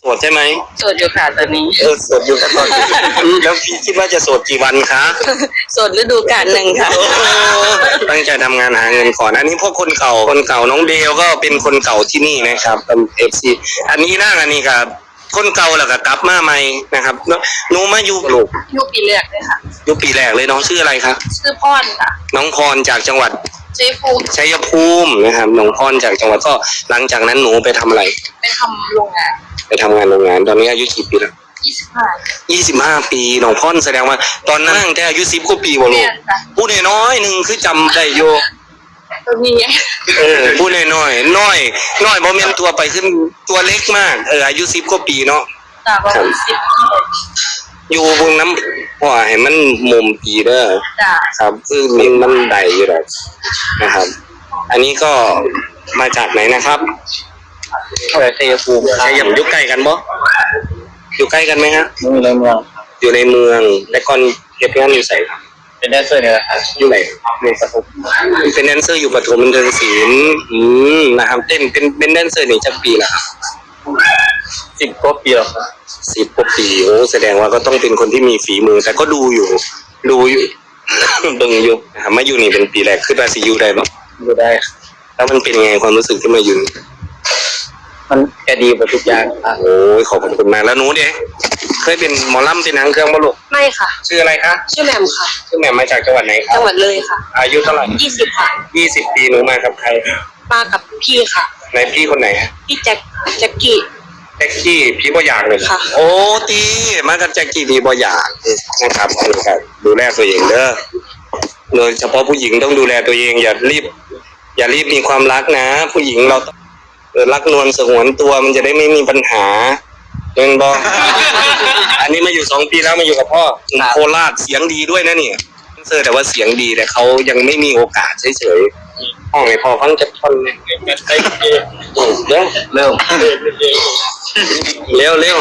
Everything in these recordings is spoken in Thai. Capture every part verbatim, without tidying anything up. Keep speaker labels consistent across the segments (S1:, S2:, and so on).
S1: สดใช่ไหม
S2: โสดอยู่ค่ะตอนนี้
S1: เออโสดอยู่กันตอนนี้แล้วพี่คิดว่าจะโสดกี่วันคะ
S2: โสดฤดูกาลหนึ่งค่ะ
S1: ตั้งใจทำงานหาเงินก่อนอันนี้พวกคนเก่าคนเก่าน้องเดลก็เป็นคนเก่าที่นี่นะครับเอฟซีอันนี้นั่งอันนี้ครับคนเก่าแล้วก็กลับมาใหม่นะครับหนูมาอยู่ลูก
S2: ยุคปีแรกเลยค่ะ
S1: ยุคปีแรกเลยน้องชื่ออะไรครับ
S2: ชื่อพรค่ะ
S1: น้องพรจากจังหวัด
S2: ชัยภูมิ
S1: ชัยภูมินะครับน้องพรจากจังหวัดก็หลังจากนั้นหนูไปทำอะไร
S2: ไปทำโรงงาน
S1: ไปทำงานโรงงานตอนนี้อายุกี่ปีแล้ว
S2: ยี่สิบห้า
S1: ยี่สิบห้าปีน้องพรแสดงว่าตอนนั้นแต่อายุสิบกว่าปีบ่ลูกพูดน้อยๆนึงคือจำได้อยู่
S2: ตัวนี้
S1: เออพูดน้อยๆน้อยน้อยบ่แม่นตัวไปขึ้นตัวเล็กมากเอออายุสิบกว่าปีเนาะ
S2: ครับ
S1: อยู่บนน้ำหัวให้มันมุมปีเด้อครับคือมันมันได้อยู่แล้วนะครับอันนี้ก็มาจากไหนนะครับชัยภูมิชัยภูมิอยู่ใกล้กันบ่อยู่ใกล้กันไหมฮะ
S3: อยู่ในเมือง
S1: อยู่ในเมืองแต่ก่อนเก็บงานอยู่ไสครับ
S3: เป็นแดนเซอร์เนี่ยครับ
S1: อยู่ไหนในปฐมเป็นแดนเซอร์อยู่ปฐมบันเทิงศิลป์อืมนะครับเต้นเป็นเป็นแดนเซอร์นี่จักปีละครับ
S3: สิบกว่าปีแล้วครับ
S1: สิบกว่าปีโอ้แสดงว่าก็ต้องเป็นคนที่มีฝีมือแต่ก็ดูอยู่ดูอยู่เบิ่งอยู่นะครับมาอยู่นี่เป็นปีแรกขึ้นมาสิอยู่ได้บ่
S3: อยู่ได้
S1: แล้วมันเป็นไงความรู้สึกที่มาอยู่
S3: มันแกดีกว่าทุกอย่าง
S1: โอ้ยขอบคุณมากแล้วหนูเด้เคยเป็นหมอลำเป็นนางเครื่องบ่ลูก
S2: ไม่ค่ะ
S1: ชื่ออะไรคะ
S2: ชื่อแหม่มค่ะ
S1: ชื่อแหม่มมาจากจังหวัดไหนครับ
S2: จังหวัดเลยค่ะ
S1: อายุเท่าไหร่
S2: ยี่สิบค่ะ
S1: ยี่สิบปีหนูมากับใคร
S2: มากับพี่ค่ะ
S1: ไหนพี่คนไหน
S2: พี่แจ็คแจ็คกี้
S1: แจ็คกี้พี่บ่อยากเลย
S2: ค่ะ
S1: โอ้ตีมากับแจ็คกี้พี่บ่อยากนะครับครับดูแลตัวเองเด้อโดยเฉพาะผู้หญิงต้องดูแลตัวเองอย่ารีบอย่ารีบมีความรักนะผู้หญิงเรารักนวลสงวนตัวมันจะได้ไม่มีปัญหาเงินบอ อันนี้มาอยู่สองปีแล้วมาอยู่กับพ่อโคราชเสียงดีด้วยนะเนี่ยเซอร์แต่ว่าเสียงดีแต่เขายังไม่มีโอกาสเฉยๆห้องไอ้พ่อฟังจะทนเนี่ยเร็วเร็วเร็วเร็ว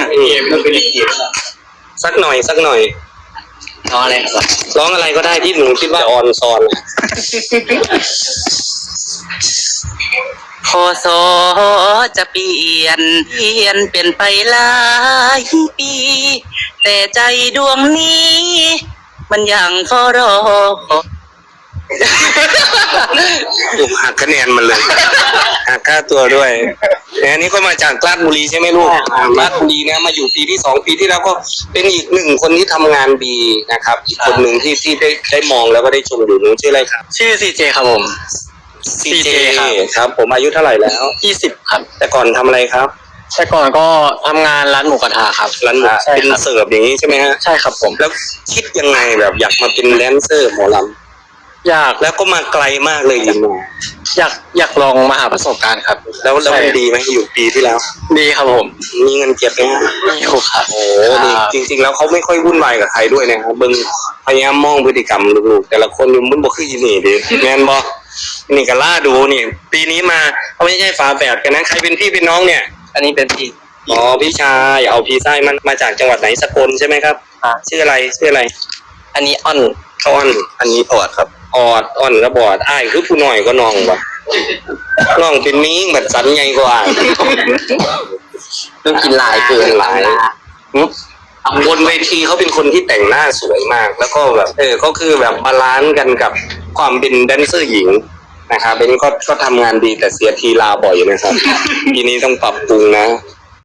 S1: สักหน่อยสักหน่อย
S3: ร้องอะไรครับ
S1: ร้องอะไรก็ได้ที่หนูคิดว่าออนซอน
S2: พศจะเปลี่ยนเปลี่ยนเปลี่ยนไปหลายปีแต่ใจดวงนี้มันยังเฝ้ารอ
S1: หักคะแนนมันเลยหักค่าตัวด้วยอันนี้ก็มาจากราชบุรีใช่ไหมลูกราชบุรีเนี่ยมาอยู่ปีที่สองปีที่แล้วก็เป็นอีกหนึ่งคนที่ทำงานดีนะครับอีกคนหนึ่งที่ที่ได้ได้มองแล้วก็ได้ชมอยู่หนูชื่ออะไรครับ
S3: ชื่อซีเจครับผม
S1: ซีเจครับผมอายุเท่าไหร่แล้ว
S3: ยี่สิบครับ
S1: แต่ก่อนทำอะไรครับ
S3: แต่ก่อนก็ทำงานร้านหมูกระทะครับ
S1: ร้านหมูเป็นเสิร์ฟอย่างนี้ใช่ไหมฮะ
S3: ใช่ครับผม
S1: แล้วคิดยังไงแบบอยากมาเป็นแดนเซอร์หมอล
S3: ำอยาก
S1: แล้วก็มาไกลมากเลยยินดี
S3: อยากอยากลองมาหาประสบการณ์ครับ
S1: แล้วแล้วมันดีไหมอยู่ปีที่แล้ว
S3: ดีครับผม
S1: มีเงินเก็บไหม
S3: มีครับ
S1: โอ้ดีจริงๆแล้วเขาไม่ค่อยวุ่นวายกับใครด้วยนะครับมึงพยายามมองพฤติกรรมลูกๆแต่ละคนมันบ่คืออีนี่ดิแมนบอนี่ก็ล่าดูนี่ปีนี้มาเขาไม่ใช่ฝาแฝดกันนะใครเป็นพี่เป็นน้องเนี่ย
S3: อันนี้เป็นพี่
S1: อ๋อพี่ชายเอาพี่ชายมันมาจากจังหวัดไหนสกลใช่ไหมครับชื่ออะไรชื่ออะไร
S3: อันนี้อ้อน
S1: อ้อนอันนี้ออดครับออดอ้อนก็บอดอ้ายคือผู้น้อยก็น้องวะน้องเป็นมิ้งแบบสันใหญ่กว่า
S3: ต้องกินหลายเกินหลาย
S1: บนเวทีเขาเป็นคนที่แต่งหน้าสวยมากแล้วก็แบบเออก็คือแบบบาลานซ์กันกับความเป็นแดนเซอร์หญิงนะครับเป็นก็ก็ทำงานดีแต่เสียทีลาบ่อยนะครับทีนี้ต้องปรับปรุงนะ